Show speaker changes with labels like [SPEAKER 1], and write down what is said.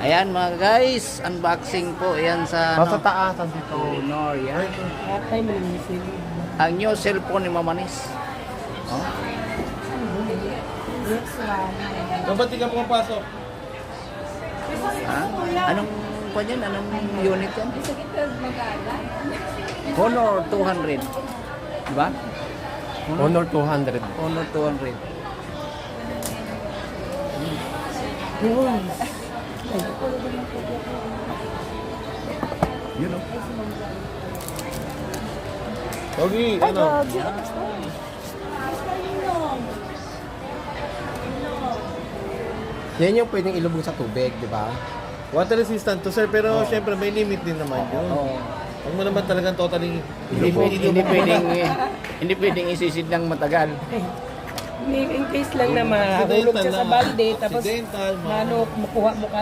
[SPEAKER 1] Ayan mga guys, unboxing po yan sa
[SPEAKER 2] Sa taas, dito.
[SPEAKER 1] Honor yan.
[SPEAKER 3] Atay mo lang yung
[SPEAKER 1] Ang new cellphone ni Mamanis. Oh.
[SPEAKER 3] next one.
[SPEAKER 2] Ba't di ka pumapasok?
[SPEAKER 1] Ha? Anong kwan yan? Anong unit yan? Honor 200. Diba?
[SPEAKER 2] Honor 200.
[SPEAKER 1] Honor 200.
[SPEAKER 3] Yun.
[SPEAKER 1] You know.
[SPEAKER 2] Pogi, ano? Yan yung pwedeng ilubog sa tubig, di ba? Water resistant to sir, pero syempre may limit din naman yun.
[SPEAKER 1] Oo.
[SPEAKER 2] Huwag mo naman talagang totally
[SPEAKER 1] Hindi pwedeng isisid ng matagal.
[SPEAKER 3] In case lang na mahulog ka sa balde, tapos
[SPEAKER 2] accidental,
[SPEAKER 3] makuha mo ka